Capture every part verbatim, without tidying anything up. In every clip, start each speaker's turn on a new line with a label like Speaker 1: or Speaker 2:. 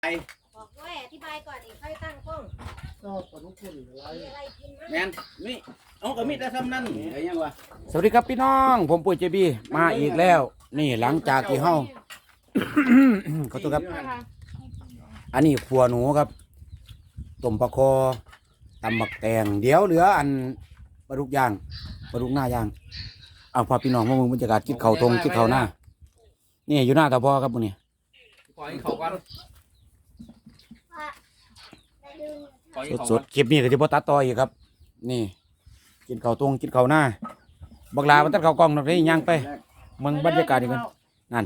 Speaker 1: บอกว่าอธิบายก่อนอีกค่อยตั้งกล้องก็ผลคุณอะไรกินแมนนี่เอากระมิดได้ทำนั่นอะไรยังวะ
Speaker 2: สวัสดีครับพี่น้องผมปุ้ยเจบีมาอีกแล้วนี่หลังจากที่เฮาขอโทษครับอันนี้ขัวหนูครับต้มปลาคอตำบักแตงเดี๋ยวเหลืออันปลาดุกย่างปลาดุกหน้าย่างเอาพอพี่น้องมามึงบรรยากาศกินข้าวตรงกินข้าวหน้านี่อยู่หน้าตาพ่อครับมื้อนี้สดๆคลิปนี้ก็จะบ่ตัดต่ออีกครับนี่กินข้าวตรงกินข้าวหน้าบักลามันตัดข้าวกล้องนักได้ย่างไปมึงบรรยากาศดีกันนั่น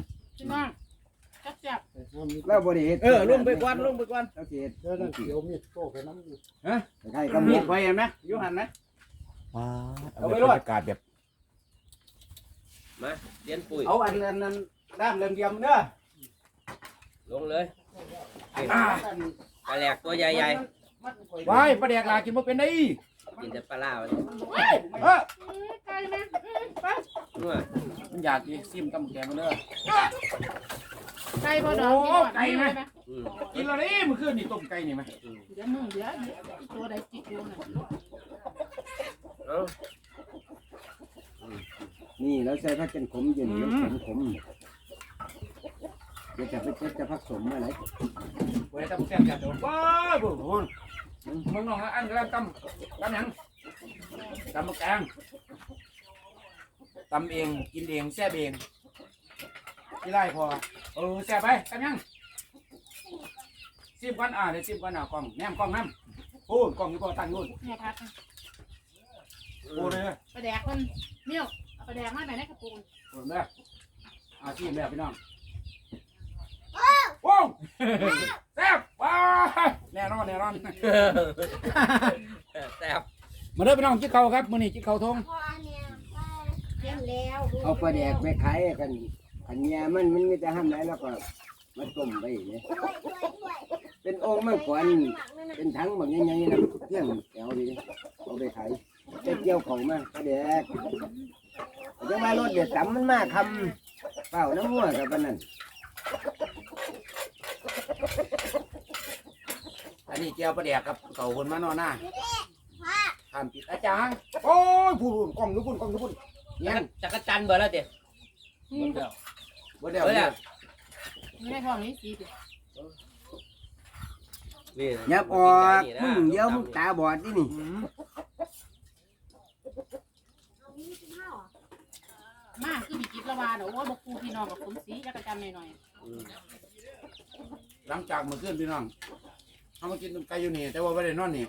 Speaker 3: แล้วบริเหตุ
Speaker 1: เออลงไปก่อนลงไปก่อน
Speaker 3: โอเคเดี๋ยวนั่นเดี๋ยวมีดโต้ไปน้ำอยู่
Speaker 1: ฮะใช่ก็มีดไปเห็นไหมยุหันไหม
Speaker 2: ว้าเอาบรรยากาศแบบ
Speaker 4: มาเลี้ยนปุ๋ย
Speaker 1: เอาอันนั้นนั้นด้ามเลี่ยมๆเด้อ
Speaker 4: ลงเลยปลาแหลกตัวใหญ่
Speaker 2: ๆว้ายปลาแดกลากินบ่เป็นได้
Speaker 4: กินแต่ปลาล่ามัน
Speaker 2: เออ
Speaker 1: ไก่นะ
Speaker 4: นัว
Speaker 2: มันอยากกินซิมตำแกงกันเด้อ
Speaker 1: ไก่บ่ดอก
Speaker 2: ไก่ไหมกินแล้วนี่มื้อคืนนี่ต้มไก่นี่ไหม
Speaker 1: เดี๋ยวมึงเดี๋ยวตัวใดจิกอยู่น่ะ
Speaker 3: นี่เราใส่ผักกันขมเย็นแล้วขมขมเดี๋ยวจะไปเช็ดจะผักสมอะไร
Speaker 2: ไว้ตำแซ่บจัดว้าวบุญมึงน้องอันกำลังตำตำยังตำแกงตำเองกินเองแซ่บเองที่ไรพอเออแซ่บไปตำยังซิมกันอ่าเดี๋ยวซิมกันอ่ากล้องแนมกล้องน้ำโอ้กล้องนี่พอตั้งนู่น
Speaker 1: เนี่ยพัด
Speaker 2: โอ้เลย
Speaker 1: ปลาแดกมันเมี่ยวปลาแดกมาไหนในกระปุก
Speaker 2: โอ้เลยอาชิมเลยพี่น้องว้าวแซ่บว้าวแน่นอนแน่นอน
Speaker 4: แซ่บ
Speaker 2: มาเด้อพี่น้องจิ๊กเขาครับมื้อนี้จิ๊กเขาทง
Speaker 3: เอาปลาแดกไปขายกันอันเนี้ยมันมันมีแต่ห้ามไรแล้วก็มาต้มไปเนี่ยเป็นองค์มันขวัญเป็นถังแบบยังไงนะเที่ยงแถวดีเอาไปขายไปเกี่ยวของมาปลาแดกจะมารถเดือดต่ำมันมากคำเปล่าน้ำมั่วกับมันนั่น
Speaker 2: อันนี้เจียวปลาแดกกับเต่าคนมานอนหน้าทำปิดอาจารย์โอ้ยพูดกล้องทุกคนกล้องทุกคน
Speaker 4: เนี่ยจักรจันเบอร์แล้วเด็ด
Speaker 2: บ่เดียวบ่เดียว
Speaker 1: ไม่ได้ทองนี้สีดิ
Speaker 3: อย่าออกมึงเดี๋ยวมึงตาบอดดินี่
Speaker 1: มาคือมีกิจละวาเดี๋ยวว่าบกูพี่น้องกับผมสีจักรจันหน่อย
Speaker 2: หลังจากเมื่อคืนพี่น้องเขามากินไก่อยู่นี่แต่ว่าไม่ได้นอนนี่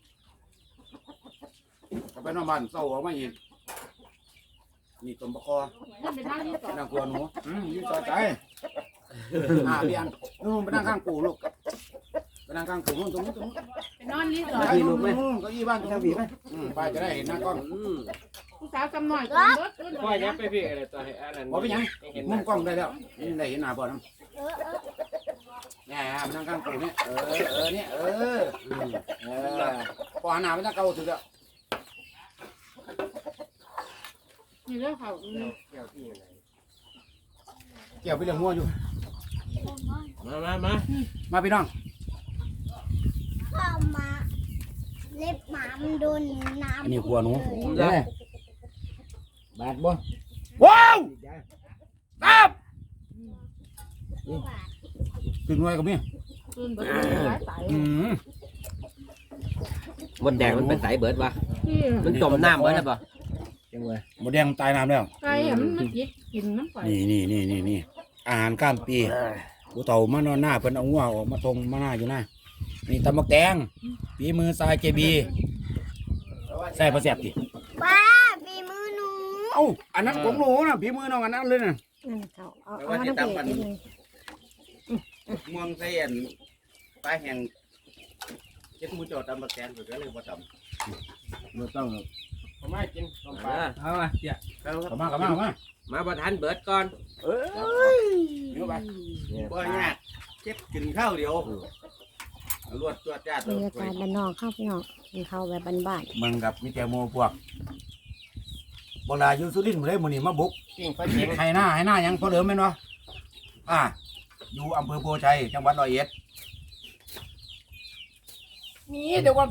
Speaker 2: กลับไปนอนบ้านเศร้าออกมาอีกนี่ต้มปลาคอนั่งกลัวหนูยืนจอใจอ่าเบียนนู่นไปนั่งข้างปู่ลูกไปนั่งข้างปู่นู่นตรงนู้นตรงนู้น
Speaker 1: ไปนอนรีสอร์ท
Speaker 2: นู่นนู่นก็ยี่บ้านตรงนี้ไหมไปจะได้เห็นหน้ากล้อง
Speaker 1: ผู้สาวจำหน่อย
Speaker 4: พ่อยับไปพี่อะไรตัวให้อันนั้น
Speaker 2: บอกไปยังมุมกล้องได้แล้วนี่ได้เห็นหน้าบ่อน้ำเนี่ยไปนั่งข้างปู่เนี่ยเออเออเนี่ยเออเออพอหน้าไปนั่งเกาถึงแล้ว
Speaker 1: นี่เรื่องเขา
Speaker 2: เกี่ยวที่อะไรเกี่ยวไปเรื่องงัวอยู่
Speaker 4: มามามา
Speaker 2: มาพี่น้อง
Speaker 5: เข้ามาเล็บหมามันโดนน้ำ
Speaker 2: อันนี้ขัวหนู
Speaker 3: เด้บาดบ่
Speaker 2: ว้าวครับตื่นไว้กับมี่
Speaker 1: ตื่นเบิดหลายสาย
Speaker 4: มดแดงมันเป็นสายเบิดวะมันจมน้ำเบิดแล้วป่ะ
Speaker 2: ยังไงหมดแดงตายน้ำแล้ว
Speaker 1: ไก่มันมันกินกินน้ำไฟ
Speaker 2: นี่นี่นี่นี่นี่อาหารข้ามปีกูเต่ามานอนหน้าเพิ่นเอางัวออกมาทงมาหน้าอยู่หน้านี่ตำบักแตงปีมือทรายเจบีใส่ประแสบดิ
Speaker 5: ป้าปีมือหนู
Speaker 2: เอ้าอันนั้นของหนูนะปีมือน้องอันนั้นเลยนะ
Speaker 1: เขาเอาเอาน้ำเปรี้ยว
Speaker 4: มองใส่อันปลาแห้งเจ็ดมือจอดตำบักแตงก็เลยบ่ตำ
Speaker 3: ไม่ต้อง
Speaker 2: ทำไมกินต้มปลา
Speaker 4: เอามาเดี๋ยว
Speaker 2: เอามาเอามาเอามา
Speaker 4: มาประทานเบิดก่อน
Speaker 2: เอ้ยเดี๋ยวไป
Speaker 4: บ่ยากเจ็บกินข้าวเดียวรวดตัวจ้าตัว
Speaker 5: บรรยากาศบ้านนอกข้าวพี่น้องกินข้าวแบบบ้าน
Speaker 2: ๆมึงกับมิเตโมพวกโบราณยูสุรินทร์มาได้หมดนี่มาบุกไห้หน้าไห้หน้ายังพอเหลือไหมเนาะอ่าอยู่อำเภอโพชัยจังหวัดร้อยเอ็ดมีเดี๋ยวก่อน